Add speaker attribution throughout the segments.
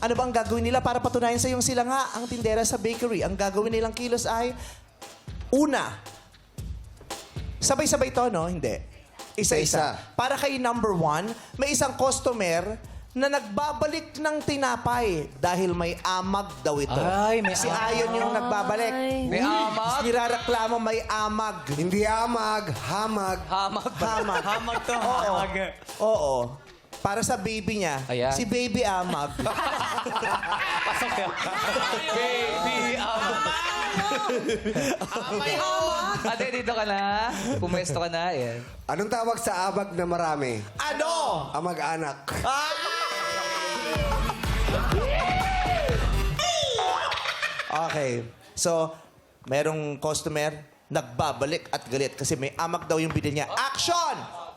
Speaker 1: Ano ba ang gagawin nila para patunayan sa iyong sila nga ang tindera sa bakery? Ang gagawin nilang kilos ay, una, sabay-sabay to, no? Hindi. Isa-isa. Para kay number 1, may isang customer na nagbabalik ng tinapay dahil may amag daw ito.
Speaker 2: Ay, may
Speaker 1: si
Speaker 2: amag.
Speaker 1: Ayon yung nagbabalik.
Speaker 2: May amag?
Speaker 1: Nirareklamo may amag.
Speaker 3: Hindi amag, hamag.
Speaker 2: Hamag.
Speaker 1: Hamag.
Speaker 2: Hamag to.
Speaker 1: Oo.
Speaker 2: Hamag.
Speaker 1: Oo. Para sa baby niya,
Speaker 2: Ayan.
Speaker 1: si baby amag.
Speaker 2: Pasok ka. Baby,
Speaker 4: May hamag.
Speaker 2: Ate, dito ka na. Pumesto ka na. Ayan.
Speaker 3: Anong tawag sa abag na marami?
Speaker 1: Ano?
Speaker 3: Amag-anak.
Speaker 1: Okay. So, merong customer, nagbabalik at galit kasi may amag daw yung binili niya. Action!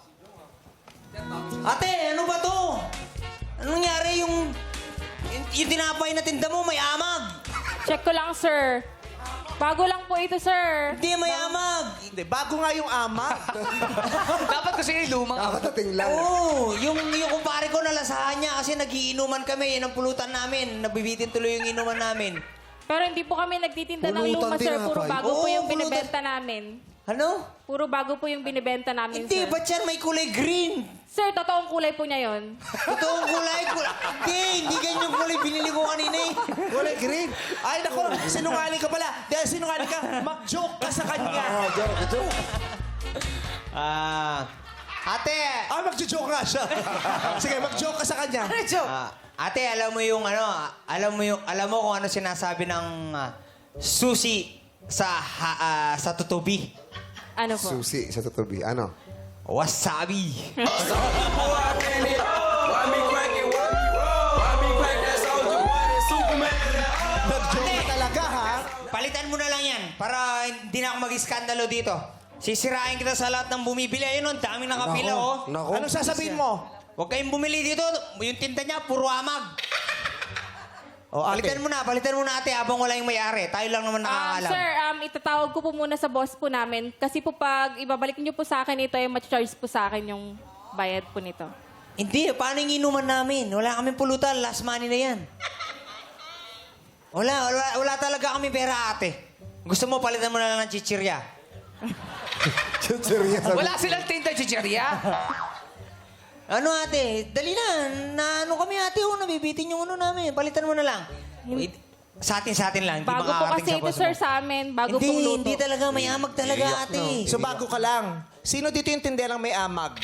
Speaker 4: Ate, ano ba to? Anong nangyari yung tinapay na tinda mo may amag?
Speaker 5: Check ko lang, sir. Bago lang po ito, sir.
Speaker 4: Hindi, may amag.
Speaker 1: Hindi, bago nga yung amag.
Speaker 2: Dapat kasi yung lumang.
Speaker 3: Kakatating lang.
Speaker 4: Oo, yung kumpare ko nalasahan niya kasi nagiinuman kami. Yan ang pulutan namin. Nabibitin tuloy yung inuman namin.
Speaker 5: Pero hindi po kami nagtitinda ng
Speaker 3: Pulutan
Speaker 5: luma, sir. Puro
Speaker 3: tinapay.
Speaker 5: bago po
Speaker 4: Oo,
Speaker 5: yung
Speaker 4: pulutan.
Speaker 5: binibenta namin.
Speaker 4: Ano?
Speaker 5: Puro bago po yung binibenta namin,
Speaker 4: Hindi,
Speaker 5: sir.
Speaker 4: ba't yan may kulay green?
Speaker 5: Sir, totoong kulay po niya yon.
Speaker 4: Totoong kulay. Hindi ganyan yung kulay binili ko kanina eh.
Speaker 1: Kulay green. Ay, nako, sinungaling ka pala. Dahil sinungaling ka, mag-joke ka sa kanya.
Speaker 4: Ate!
Speaker 1: Mag-joke nga siya. Sige, mag-joke ka sa kanya.
Speaker 4: Ate, alam mo yung ano, alam mo kung ano sinasabi ng susi sa tutubi?
Speaker 5: Ano po?
Speaker 3: Susi sa tutubi. Ano?
Speaker 4: Wasabi.
Speaker 1: Mag-joke ka talaga, ha?
Speaker 4: Palitan mo na lang yan para hindi na ako mag-iskandalo dito. Sisirain kita sa lahat ng bumibili. Ayun, ang daming nakapila, oh.
Speaker 3: Nako.
Speaker 1: Anong sasabihin mo?
Speaker 4: Huwag kayong bumili dito. Yung tinda niya, puro amag.
Speaker 1: O, ate.
Speaker 4: Palitan mo na ate habang wala yung may-ari. Tayo lang naman nakakaalam.
Speaker 5: Sir, itatawag ko po muna sa boss po namin. Kasi po pag ibabalik niyo po sa akin ito, ay ma-charge po sa akin yung bayad po nito.
Speaker 4: Hindi, paano yung inuman namin? Wala kaming pulutan. Last money na yan. Wala talaga kami pera, ate. Gusto mo, palitan mo na lang ng chichirya.
Speaker 3: Seryoso.
Speaker 2: Wala silang tinta, chicheria.
Speaker 4: Ano, ate? Dali na. Ano kami, ate? Nabibitin yung ano namin. Palitan mo na lang. Wait, sa atin lang. Hindi
Speaker 5: Bago po
Speaker 4: makakarating
Speaker 5: kasi
Speaker 4: sa
Speaker 5: ito,
Speaker 4: boss
Speaker 5: sir,
Speaker 4: mo.
Speaker 5: sa amin. Bago pong luto.
Speaker 4: Hindi talaga. May amag talaga, ate.
Speaker 1: So, bago ka lang. Sino dito yung tinderang may amag?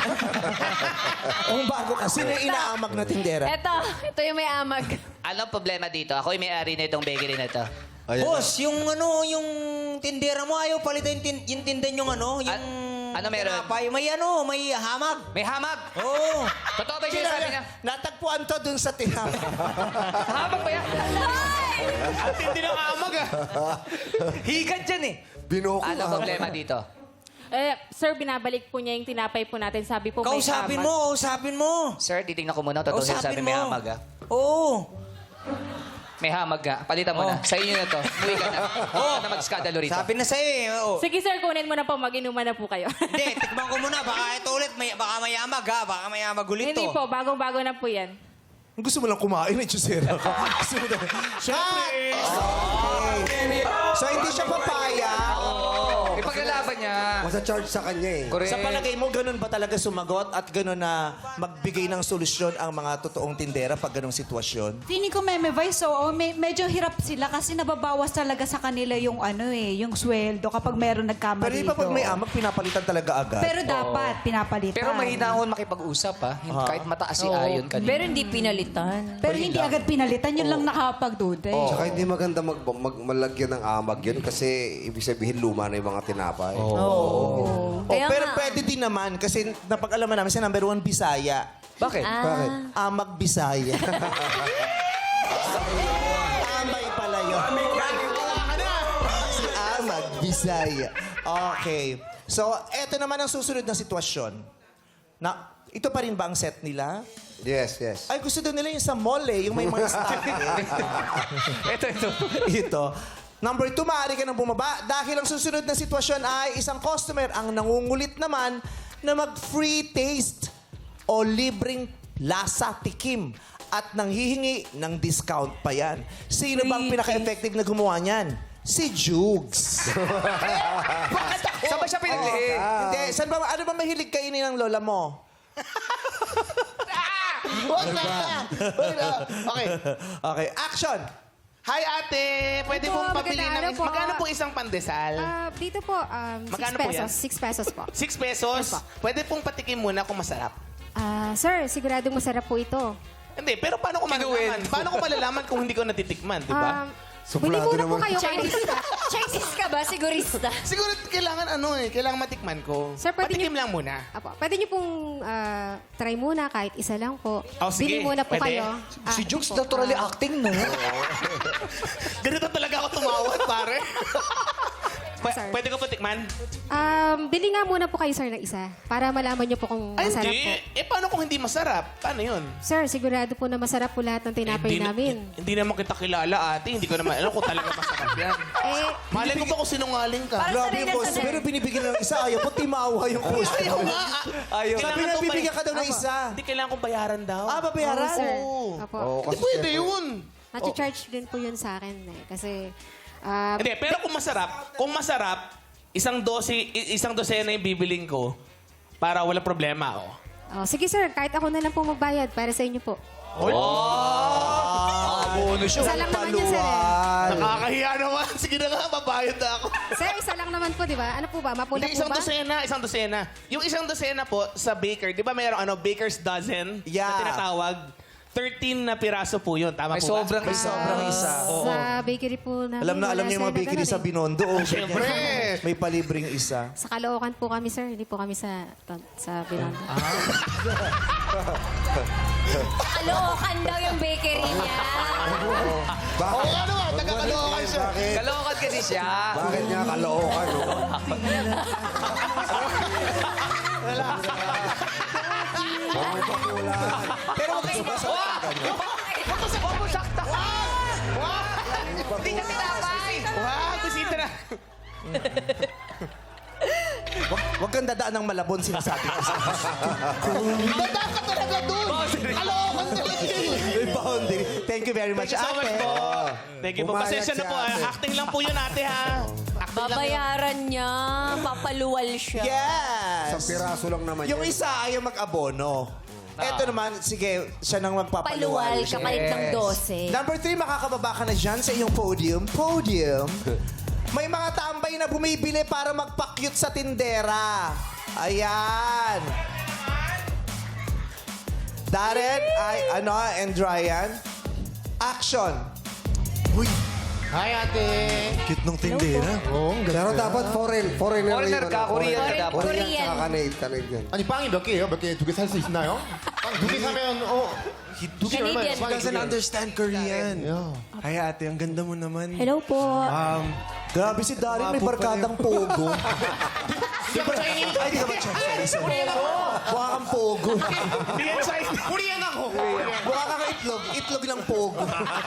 Speaker 1: Kung bago ka, sino yung inaamag na tindera?
Speaker 6: Ito yung may amag.
Speaker 2: Anong problema dito? Ako yung may-ari na itong bakery na ito.
Speaker 4: Boss, yung tindera mo, ayaw palitan yung tinda yung ano, yung...
Speaker 2: Ano meron?
Speaker 4: tinapay. May hamag.
Speaker 2: May hamag.
Speaker 4: Oo.
Speaker 2: Totoo ba yung sinasabi niya?
Speaker 1: Natagpuan to dun sa tinapay.
Speaker 2: Hamag ba yan? Ang tindi ng hamag ah. Higad dyan eh.
Speaker 3: Binuko
Speaker 2: Anong problema dito?
Speaker 5: Sir, binabalik po niya yung tinapay po natin. Sabi po may
Speaker 4: Kausapin
Speaker 5: hamag.
Speaker 4: kausapin mo.
Speaker 2: Sir, titignan ko muna. Totoo sinasabi may hamag ah.
Speaker 4: Oo.
Speaker 2: May hamag ah. Palitan mo na. Sa inyo na to. Umuwi ka na. Huwag ka na mag-skandalo rito.
Speaker 4: Sabi na sa'yo eh. Oo.
Speaker 5: Sige, sir, kunin mo na po. Mag-inuman na po kayo.
Speaker 4: Hindi, tikman ko muna. Baka ito ulit. Baka may amag ha. Baka may amag ulit
Speaker 5: Hindi
Speaker 4: to.
Speaker 5: po. Bagong-bago na po yan.
Speaker 1: Gusto mo lang kumain, eh, Chusera ka. Gusto mo lang. Siyempre! Okay. So, hindi siya papaya.
Speaker 2: Ipaglalaban niya.
Speaker 3: Masa-charge sa kanya eh.
Speaker 2: Correct.
Speaker 1: Sa palagay mo, ganun ba talaga sumagot at ganun na magbigay ng solusyon ang mga totoong tindera pag ganung sitwasyon?
Speaker 7: Feeling ko may vice, oo. Medyo hirap sila kasi nababawas talaga sa kanila yung yung sweldo kapag meron nagkamali.
Speaker 1: Pero di ba pag may amag, pinapalitan talaga agad?
Speaker 7: Pero dapat pinapalitan.
Speaker 2: Pero mahinahon makipag-usap ha. Kahit mataas si Ayon kanina.
Speaker 6: Pero hindi pinalitan.
Speaker 7: Pero hindi agad pinalitan, yun lang nakakapagduda.
Speaker 3: Tsaka hindi maganda malagyan ng amag yun kasi ibig sabihin luma na yung mga tinapay.
Speaker 6: Kaya
Speaker 1: pero
Speaker 6: nga.
Speaker 1: pwede din naman kasi napag-alaman namin sa number 1, Bisaya.
Speaker 2: Bakit?
Speaker 3: Bakit?
Speaker 1: Amag Bisaya. Amay pala yun. Si Amag Bisaya. Okay. So, eto naman ang susunod na sitwasyon. Ito pa rin ba ang set nila?
Speaker 3: Yes, yes.
Speaker 1: Ay, gusto daw nila yung sa mall eh, yung may mga stock.
Speaker 2: Ito.
Speaker 1: Ito. Number 2, maaari ka nang bumaba dahil ang susunod na sitwasyon ay isang customer ang nangungulit naman na mag-free taste o libreng lasa tikim at nanghihingi ng discount pa yan. Sino bang pinaka-effective na gumawa niyan? Si Jugs.
Speaker 2: Saan ba siya pinagli?
Speaker 1: Hindi, ano ba mahilig kainin ng lola mo? Wag na! Wag na! Okay, action!
Speaker 2: Hi ate! Pwede
Speaker 8: Ito,
Speaker 2: pong pabili
Speaker 8: magkano
Speaker 2: ng...
Speaker 8: po?
Speaker 2: Magkano po isang pandesal?
Speaker 8: Dito po, 6
Speaker 2: Magkano po yan?
Speaker 8: pesos. 6 pesos po.
Speaker 2: 6 pesos?
Speaker 8: Yes, po.
Speaker 2: Pwede pong patikim muna kung masarap.
Speaker 8: Sir, siguradong masarap po ito.
Speaker 2: Hindi, pero paano ko malalaman? Paano ko malalaman kung hindi ko natitikman, di ba?
Speaker 8: Bili muna po
Speaker 3: naman.
Speaker 8: kayo.
Speaker 6: Chinese ka ba? Sigurista.
Speaker 2: Siguro kailangan kailangan matikman ko.
Speaker 8: Sir, pwede
Speaker 2: patikim lang muna.
Speaker 8: Apo, pwede niyo pong try muna kahit isa lang po.
Speaker 2: Oh, sige.
Speaker 8: Bili muna po
Speaker 2: Pwede.
Speaker 8: kayo.
Speaker 1: Si Jugs naturally acting, no?
Speaker 2: Ganito talaga ako tumawad, pare.
Speaker 8: Sir.
Speaker 2: Pwede ko patikman?
Speaker 8: Bili nga muna po kayo, sir, ng isa. Para malaman niyo po kung
Speaker 2: Ay,
Speaker 8: masarap
Speaker 2: hindi.
Speaker 8: po.
Speaker 2: Paano kung hindi masarap? Paano yun?
Speaker 8: Sir, sigurado po na masarap po lahat ng tinapay namin.
Speaker 2: Hindi naman kita kilala, ate. Hindi ko naman alam kung talaga masarap yan. Malay mo ba kung sinungaling ka?
Speaker 1: Grabe yung boss. Pero binibigyan ng isa. Ayaw po timawa yung customer.
Speaker 2: Ayaw nga.
Speaker 1: Ayaw. Sabi
Speaker 2: Kailangan
Speaker 1: na
Speaker 2: to
Speaker 1: bibigyan ka daw ng isa.
Speaker 2: Hindi kailangan kong bayaran daw.
Speaker 1: Ah, babayaran?
Speaker 8: Oo, sir.
Speaker 2: Oo.
Speaker 8: Apo.
Speaker 2: Hindi pwede yun.
Speaker 8: Nati-charge din po yun sa akin eh. Kasi,
Speaker 2: Hindi, pero kung masarap, isang dosena yung bibiling ko para wala problema.
Speaker 8: sige sir, kahit ako na lang po magbayad para sa inyo po. Isa lang naman yun, sir.
Speaker 2: Nakakahiya naman. Sige na nga, babayad na ako.
Speaker 8: Sir, isa lang naman po, di ba? Ano po ba? Mapula
Speaker 2: Hindi,
Speaker 8: po ba?
Speaker 2: isang dosena. Yung isang dosena po sa baker, di ba mayroong baker's dozen
Speaker 1: Yeah.
Speaker 2: na tinatawag? 13 na piraso po yun. Tama po ba?
Speaker 1: May sobrang isa.
Speaker 8: Sa bakery po namin.
Speaker 1: Alam
Speaker 8: wala,
Speaker 1: niyo yung mga
Speaker 8: sir, na
Speaker 1: bakery
Speaker 8: ganun
Speaker 1: sa
Speaker 8: eh.
Speaker 1: Binondo. Oh,
Speaker 2: Siyempre.
Speaker 1: May palibreng isa.
Speaker 8: Sa Caloocan po kami, sir. Hindi po kami sa Binondo.
Speaker 6: Kalookan daw yung bakery niya.
Speaker 2: Taga-Caloocan siya.
Speaker 4: Kalookan kasi siya.
Speaker 3: Bakit niya kalookan? No?
Speaker 1: Pero wag kayo
Speaker 2: Hindi ka tinapay! Wow, kusita na.
Speaker 1: Wag kang dadaan ng Malabon, sinasabi ko.
Speaker 2: Dadaan ka talaga dun! Caloocan talaga yun.
Speaker 1: May boundary. Thank you very much,
Speaker 2: Thank you so much
Speaker 1: ate.
Speaker 2: po. Thank you po.
Speaker 3: Pumayag
Speaker 2: Pasensya na
Speaker 3: si
Speaker 2: po.
Speaker 3: ate.
Speaker 2: Acting lang po yun, ate, ha? Acting lang yun.
Speaker 6: Babayaran niya. Papaluwal siya.
Speaker 1: Yes!
Speaker 3: Isang piraso lang naman
Speaker 1: Yung
Speaker 3: yun.
Speaker 1: isa ayaw mag-abono. Ito naman, sige, siya nang magpapaluwal.
Speaker 6: Paluwal, kapalit ng 12.
Speaker 1: Number 3, makakababa ka na dyan sa iyong podium. Podium. May mga tambay na bumibili para magpa-cute sa tindera. Ayan. Darren, and Ryan. Action.
Speaker 2: Hi, ate.
Speaker 9: Cute nung tindera.
Speaker 3: Pero dapat foreigner
Speaker 4: ka, Korean ka dapat.
Speaker 3: Korean
Speaker 6: Korean.
Speaker 3: tsaka Canadian.
Speaker 10: 아니 빵이 몇 개예요? 몇 개 두 개 살 수 있나요? 빵 두 개 사면 두 개 얼마예요?
Speaker 6: Canadian.
Speaker 9: He doesn't understand Korean. Hi ate, ang ganda mo naman.
Speaker 8: Hello po.
Speaker 1: Grabe si Darren, may barkadang pogo. Ay, di ka ba Chinese? Mukha kang pogo.
Speaker 2: Hindi yan Chinese. Korean ako.
Speaker 1: Mukha kang itlog. Itlog ng pogo.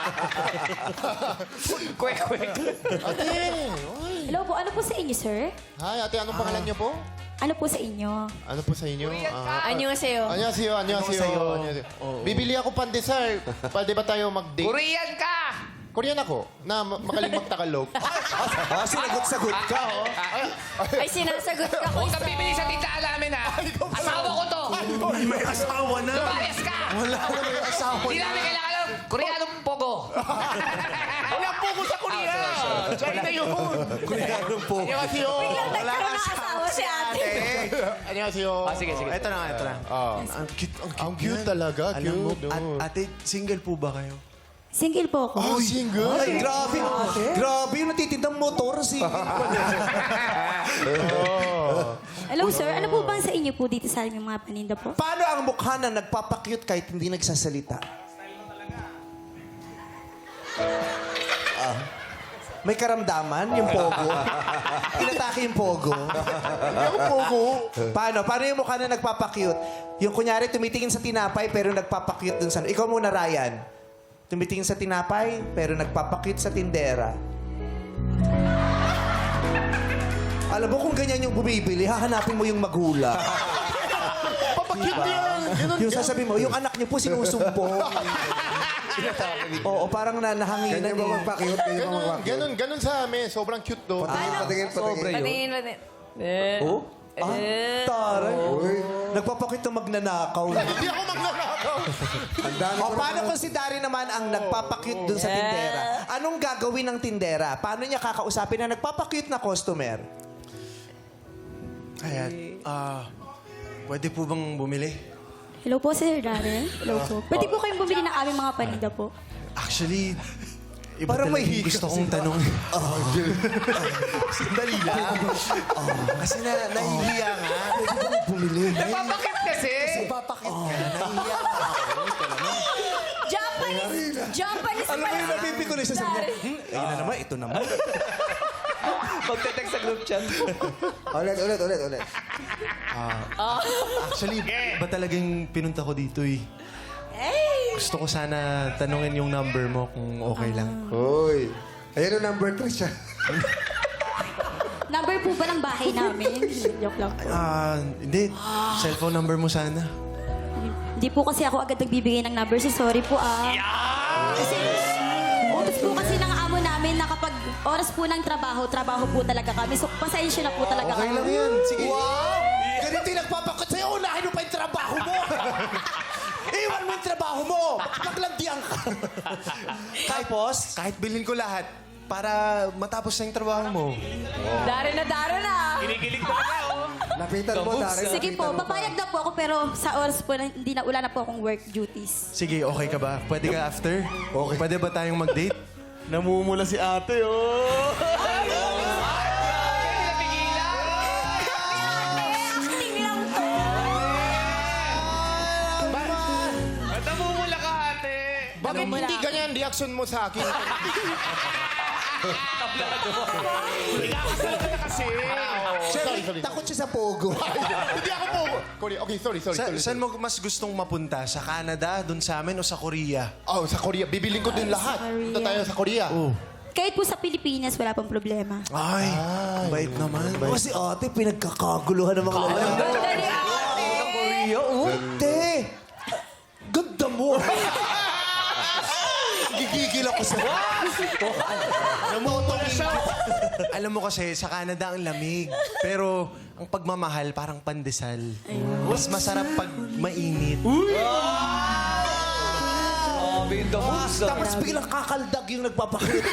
Speaker 11: Hello po, ano po sa inyo, sir?
Speaker 10: Hi, ate, anong pangalan niyo po?
Speaker 11: Ano po sa inyo?
Speaker 10: Ano po sa inyo?
Speaker 6: Annyeonghaseyo.
Speaker 10: 안녕하세요. 안녕하세요. 안녕하세요. Bibili ako pandesal. Pwede ba tayo mag-date?
Speaker 4: Korean ka!
Speaker 10: Korean ako, na magaling magtagalog.
Speaker 1: Sinagot-sagot ka, oh.
Speaker 6: Ay, sinasagot ka ko.
Speaker 4: Huwag kang bibili sa tindahan namin, ha? Asawa ko to!
Speaker 9: May asawa na.
Speaker 4: Lumayas ka!
Speaker 1: Wala na may asawa
Speaker 4: Hindi namin kailangan ng Koreanong pogo.
Speaker 2: Wala po ko sa Korea. China yun.
Speaker 1: Koreanong pogo.
Speaker 2: 안녕하세요.
Speaker 6: Nagkaroon ng asawa si ate.
Speaker 10: 안녕하세요.
Speaker 4: Sige.
Speaker 1: Ito na.
Speaker 9: Ang cute,
Speaker 10: Ang cute talaga.
Speaker 9: Alam mo,
Speaker 10: Cute.
Speaker 9: ate, single po ba kayo?
Speaker 11: Single po ako.
Speaker 10: Oh, single?
Speaker 1: Ay, grabe. Grabe yung natitindang motor. Sige.
Speaker 11: Hello, sir. Ano po bang sa inyo po dito sa aming mga paninda po?
Speaker 1: Paano ang mukha na nagpapakyut kahit hindi nagsasalita? May karamdaman yung pogo. Inatake yung pogo. Paano? Paano yung mukha na nagpapakyut? Yung kunyari tumitingin sa tinapay pero nagpapakyut dun sa... Ikaw muna, Ryan. Tumitingin sa tinapay pero nagpapakyut sa tindera. Alam mo kung ganyan yung bumibili, hahanapin mo yung magulang.
Speaker 10: Papakit yan.
Speaker 1: Yung sasabihin mo, yung anak niyo po sinusumbong. Oo, parang nahanginan
Speaker 3: Ganyan ba
Speaker 1: eh.
Speaker 3: magpa-cute? Ganyan ba magpa-cute?
Speaker 10: Ganun sa amin. Sobrang cute do.
Speaker 3: Patingin.
Speaker 6: Patingin.
Speaker 1: Oh? Ah, taray.
Speaker 3: Uy.
Speaker 1: Nagpapakit na magnanakaw.
Speaker 10: Hindi ako magnanakaw.
Speaker 3: Ang dami
Speaker 1: O
Speaker 3: ko
Speaker 1: paano kung si Dari naman ang nagpapakute dun sa tindera? Anong gagawin ng tindera? Paano niya kakausapin na nagpapakute na customer?
Speaker 9: Kaya, pwede po bang bumili?
Speaker 11: Hello po, Sir Darren. Hello po. Pwede po kayong bumili ng aming mga paninda po.
Speaker 9: Actually, iba
Speaker 1: Parang
Speaker 9: talaga
Speaker 1: may
Speaker 9: yung gusto kong tanong. Sandali lang. Kasi nahihiya nga.
Speaker 2: Napapakit kasi.
Speaker 9: Papakit ka. Nahihiya nga ako. Ito naman.
Speaker 6: Japanese
Speaker 1: Alam mo yung napipikuloy sa sabi niya, ayun na naman, ito naman.
Speaker 2: Magte-text sa group chat.
Speaker 3: Ulit.
Speaker 9: Actually, ba talagang pinunta ko dito eh. Gusto ko sana tanungin yung number mo kung okay lang.
Speaker 3: Uy. Ayan ang number 3 siya.
Speaker 11: Number po ba ng bahay namin? Joke lang.
Speaker 9: Hindi. Cellphone number mo sana.
Speaker 11: Hindi po kasi ako agad nagbibigay ng number. So, sorry po Kasi, utos po kasi ng amo namin na kapag oras po ng trabaho po talaga kami. So, pasensya na po talaga
Speaker 9: Okay
Speaker 11: kami.
Speaker 9: lang yan. Sige.
Speaker 1: Wow! Ganito yung nagpapakot sa'yo, unahin mo pa yung trabaho mo. Iwan mo yung trabaho mo. Maglandian ka. Tapos,
Speaker 9: Kahit bilhin ko lahat para matapos na yung trabaho mo.
Speaker 6: Dari na.
Speaker 2: Kinikilig talaga, oh.
Speaker 3: Lapitan mo, Dari.
Speaker 11: Sige po, papayag na po ako pero sa oras po na hindi na wala na po akong work duties.
Speaker 9: Sige, okay ka ba? Pwede ka after? Okay. Pwede ba tayong mag-date? Namumula si ate, oh!
Speaker 6: Acting lang to.
Speaker 2: Ba't namumula ka, ate?
Speaker 10: Bakit hindi ganyan reaction mo sa akin?
Speaker 2: Ikakasal ka na kasi.
Speaker 10: Sorry.
Speaker 1: takot siya sa pogo.
Speaker 10: Hindi ako po. Korea. Okay, sorry.
Speaker 9: Saan mo mas gustong mapunta? Sa Canada, dun sa amin, o sa Korea?
Speaker 10: Oh, sa Korea. Bibiling ko din lahat. Punta tayo sa Korea.
Speaker 11: Kahit po sa Pilipinas, wala pong problema.
Speaker 9: Ay, bait naman.
Speaker 1: Kasi ate, pinagkakaguluhan ng mga lalaki. Korea, oh. Te, ganda mo. Gigigil ako sa...
Speaker 9: Alam mo kasi, sa Canada ang lamig. Pero ang pagmamahal, parang pandesal. Mas masarap pag mainit.
Speaker 1: Tapos biglang kakaldag yung nagpapakita.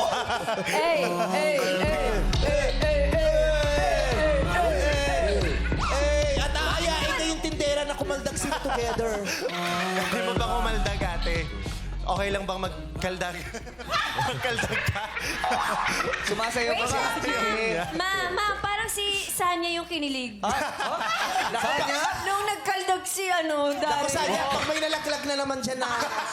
Speaker 1: At aayain na yung tindera na kumaldag sila together.
Speaker 9: Di ba ba kumaldag, ate? Okay lang bang magkaldag? Magkaldag ka?
Speaker 4: Sumasayaw pa ba?
Speaker 6: Ma, parang si Sanya yung kinilig. Nung nagkaldag si
Speaker 1: Ako
Speaker 6: Dari.
Speaker 1: Sanya, pag may nalaglag na naman siya na...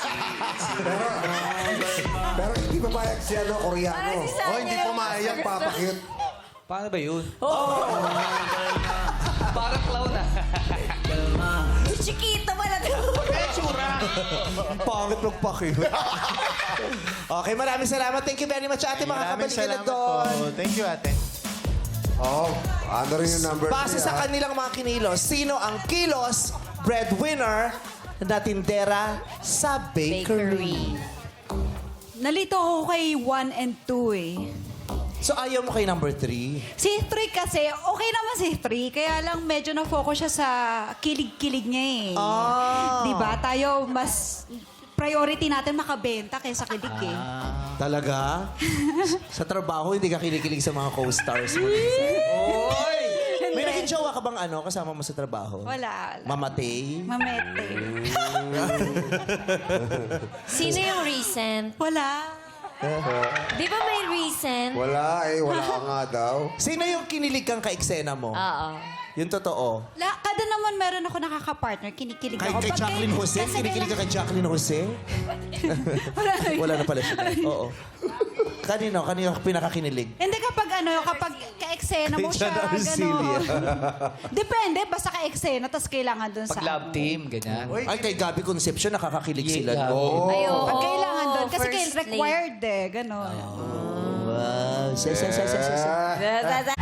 Speaker 3: Pero hindi papayag si Koreano.
Speaker 6: Parang si Sanya.
Speaker 9: hindi pumayag.
Speaker 3: Papakit.
Speaker 4: Paano ba yun? Parang clown
Speaker 6: Si Chiquita pala to.
Speaker 1: Ang pangit magpakit. Okay, maraming salamat. Thank you very much, ate.
Speaker 9: Maraming
Speaker 1: Makakabalik ka na
Speaker 9: salamat
Speaker 1: doon.
Speaker 9: po. Thank you, ate.
Speaker 3: Oh, ano rin yung number 3,
Speaker 1: Base sa kanilang mga kinilos, sino ang kilos breadwinner na tindera sa bakery?
Speaker 7: Nalito ako kay 1 and 2 eh.
Speaker 1: So ayaw mo kay number 3?
Speaker 7: Si 3 kasi, okay naman si 3. Kaya lang medyo na-focus siya sa kilig-kilig niya eh. Diba? Tayo mas priority natin makabenta kaysa kilig eh.
Speaker 1: Talaga? Sa trabaho, hindi ka kinikilig sa mga co-stars mo.
Speaker 2: Oy!
Speaker 1: May naging jowa ka bang kasama mo sa trabaho?
Speaker 7: Wala.
Speaker 1: Mamatay?
Speaker 7: Mamete.
Speaker 6: Sino yung recent?
Speaker 7: Wala.
Speaker 6: Di ba may recent?
Speaker 3: Wala ka nga daw.
Speaker 1: Sino yung kinilig kang ka-eksena mo?
Speaker 6: Oo.
Speaker 1: Yung totoo.
Speaker 7: Kada naman meron ako nakaka-partner, kinikilig
Speaker 1: Kay,
Speaker 7: ako.
Speaker 1: kay
Speaker 7: Pag
Speaker 1: Jacqueline Jose?
Speaker 7: kasi
Speaker 1: Kinikilig ka kay Jacqueline Jose?
Speaker 7: Wala na yun.
Speaker 1: Wala na pala siya. Oo. Kanino pinakakinilig?
Speaker 7: Hindi kapag ka-eksena mo
Speaker 1: Kay
Speaker 7: siya,
Speaker 1: John Arcilia.
Speaker 7: Depende, basta ka-eksena, tapos kailangan dun sa...
Speaker 4: Pag love team, ganyan.
Speaker 1: Ay, kay Gabby Concepcion, nakakakilig sila.
Speaker 4: Yeah.
Speaker 1: Oh.
Speaker 6: Ayun.
Speaker 7: Pag kailangan dun, kasi
Speaker 6: first
Speaker 7: required eh, gano'n.
Speaker 1: Wow. Sa.